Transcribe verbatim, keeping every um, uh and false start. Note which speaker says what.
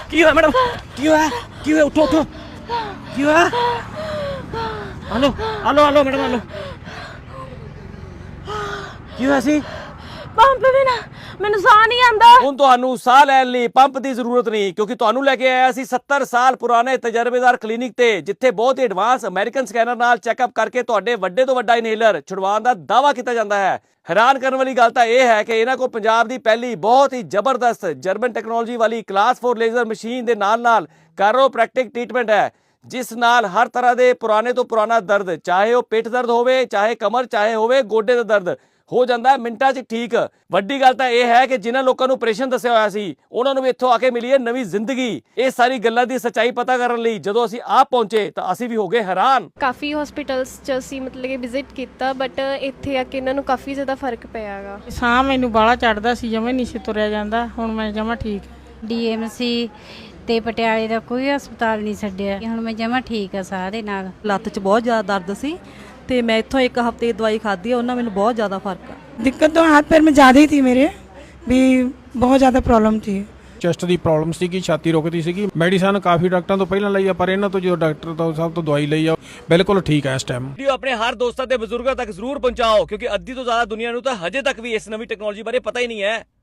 Speaker 1: ਕੀ ਹੋਇਆ ਮੈਡਮ? ਕੀ ਹੋਇਆ? ਕੀ ਹੋਇਆ? ਉੱਠੋ ਉੱਠੋ। ਕੀ ਹੋਇਆ? Hello hello hello madam hello. ਕੀ ਹੋਇਆ ਸੀ?
Speaker 2: ਪੰਪ ਬਿਨਾ ਮੈਨੂੰ ਸਾਹ ਨਹੀਂ ਆਉਂਦਾ।
Speaker 1: ਹੁਣ ਤੁਹਾਨੂੰ ਸਾਹ ਲੈਣ ਲਈ ਪੰਪ ਦੀ ਜ਼ਰੂਰਤ ਨਹੀਂ, ਕਿਉਂਕਿ ਤੁਹਾਨੂੰ ਲੈ ਕੇ ਆਇਆ ਸੀ ਸੱਤਰ ਸਾਲ ਪੁਰਾਣੇ ਤਜਰਬੇਦਾਰ ਕਲੀਨਿਕ ਤੇ, ਜਿੱਥੇ ਬਹੁਤ ਹੀ ਐਡਵਾਂਸ ਅਮਰੀਕਨ ਸਕੈਨਰ ਨਾਲ ਚੈੱਕਅਪ ਕਰਕੇ ਤੁਹਾਡੇ ਵੱਡੇ ਤੋਂ ਵੱਡਾ ਇਨਹੇਲਰ ਛੁਡਵਾਉਣ ਦਾ ਦਾਅਵਾ ਕੀਤਾ ਜਾਂਦਾ ਹੈ। ਹੈਰਾਨ ਕਰਨ ਵਾਲੀ ਗੱਲ ਤਾਂ ਇਹ ਹੈ ਕਿ ਇਹਨਾਂ ਕੋਲ ਪੰਜਾਬ ਦੀ ਪਹਿਲੀ ਬਹੁਤ ਹੀ ਜ਼ਬਰਦਸਤ ਜਰਮਨ ਟੈਕਨੋਲੋਜੀ ਵਾਲੀ ਕਲਾਸ ਫੋਰ ਲੇਜ਼ਰ ਮਸ਼ੀਨ ਦੇ ਨਾਲ ਨਾਲ ਕਾਇਰੋਪ੍ਰੈਕਟਿਕ ਟ੍ਰੀਟਮੈਂਟ ਹੈ, ਜਿਸ ਨਾਲ ਹਰ ਤਰ੍ਹਾਂ ਦੇ ਪੁਰਾਣੇ ਤੋਂ ਪੁਰਾਣਾ ਦਰਦ, ਚਾਹੇ ਉਹ ਪਿੱਠ ਦਰਦ ਹੋਵੇ, ਚਾਹੇ ਕਮਰ, ਚਾਹੇ ਹੋਵੇ ਗੋਡੇ ਦਾ ਦਰਦ, ਹੋ ਜਾਂਦਾ ਹੈ ਮਿੰਟਾਂ 'ਚ ਠੀਕ। ਵੱਡੀ ਗੱਲ ਤਾਂ ਇਹ ਹੈ ਕਿ ਜਿਨ੍ਹਾਂ ਲੋਕਾਂ ਨੂੰ ਆਪਰੇਸ਼ਨ ਦੱਸਿਆ ਹੋਇਆ ਸੀ ਉਹਨਾਂ ਨੂੰ ਵੀ ਇੱਥੋਂ ਆ ਕੇ ਮਿਲੀ ਹੈ ਨਵੀਂ ਜ਼ਿੰਦਗੀ। ਇਹ ਸਾਰੀ ਗੱਲਾਂ ਦੀ ਸੱਚਾਈ ਪਤਾ ਕਰਨ ਲਈ ਜਦੋਂ ਅਸੀਂ ਆਪ ਪਹੁੰਚੇ ਤਾਂ ਅਸੀਂ ਵੀ ਹੋ ਗਏ ਹੈਰਾਨ।
Speaker 2: ਕਾਫੀ ਹਸਪੀਟਲਸ 'ਚ ਅਸੀਂ ਮਤਲਬ ਕਿ ਵਿਜ਼ਿਟ ਕੀਤਾ, ਬਟ ਇੱਥੇ ਆ ਕੇ ਇਹਨਾਂ ਨੂੰ ਕਾਫੀ ਜ਼ਿਆਦਾ ਫਰਕ ਪਿਆ ਹੈਗਾ।
Speaker 3: ਸਾਹ ਮੈਨੂੰ ਬਾਹਲਾ ਚੜਦਾ ਸੀ, ਜਮਾਂ ਨਹੀਂ ਸੀ ਤੁਰਿਆ ਜਾਂਦਾ, ਹੁਣ ਮੈਂ ਜਮਾਂ ਠੀਕ।
Speaker 4: ਡੀਐਮਸੀ ਤੇ ਪਟਿਆਲੇ ਦਾ ਕੋਈ ਹਸਪਤਾਲ ਨਹੀਂ ਛੱਡਿਆ, ਹੁਣ ਮੈਂ ਜਮਾਂ ਠੀਕ ਆ ਸਾਹ ਦੇ ਨਾਲ।
Speaker 5: ਲੱਤ 'ਚ ਬਹੁਤ ਜ਼ਿਆਦਾ ਦਰਦ ਸੀ ਤੇ ਮੈਂ ਇੱਥੋਂ ਇੱਕ ਹਫ਼ਤੇ ਦੀ ਦਵਾਈ ਖਾਧੀ, ਉਹਨਾਂ ਮੈਨੂੰ बहुत ज़्यादा फ़र्क है।
Speaker 6: दिक्कत तो हाथ पैर में ज़्यादा ही थी, मेरे भी बहुत ज़्यादा प्रॉब्लम थी।
Speaker 7: ਚੈਸਟ ਦੀ ਪ੍ਰੋਬਲਮ ਸੀਗੀ, ਛਾਤੀ ਰੁਕਦੀ ਸੀਗੀ। ਮੈਡੀਸਨ ਕਾਫੀ ਡਾਕਟਰਾਂ ਤੋਂ ਪਹਿਲਾਂ ਲਈ ਆ, ਪਰ ਇਹਨਾਂ ਤੋਂ ਜਦੋਂ ਡਾਕਟਰ ਤੋਂ ਸਭ ਤੋਂ ਦਵਾਈ ਲਈ ਆ, ਬਿਲਕੁਲ ਠੀਕ ਹੈ ਇਸ ਟਾਈਮ।
Speaker 1: ਵੀਡੀਓ ਆਪਣੇ ਹਰ ਦੋਸਤਾਂ ਤੇ ਬਜ਼ੁਰਗਾਂ ਤੱਕ ਜ਼ਰੂਰ ਪਹੁੰਚਾਓ, ਕਿਉਂਕਿ ਅੱਧੀ ਤੋਂ ਜ਼ਿਆਦਾ ਦੁਨੀਆ ਨੂੰ ਤਾਂ ਹਜੇ ਤੱਕ ਵੀ ਇਸ ਨਵੀਂ ਟੈਕਨੋਲੋਜੀ ਬਾਰੇ ਪਤਾ ਹੀ ਨਹੀਂ ਹੈ।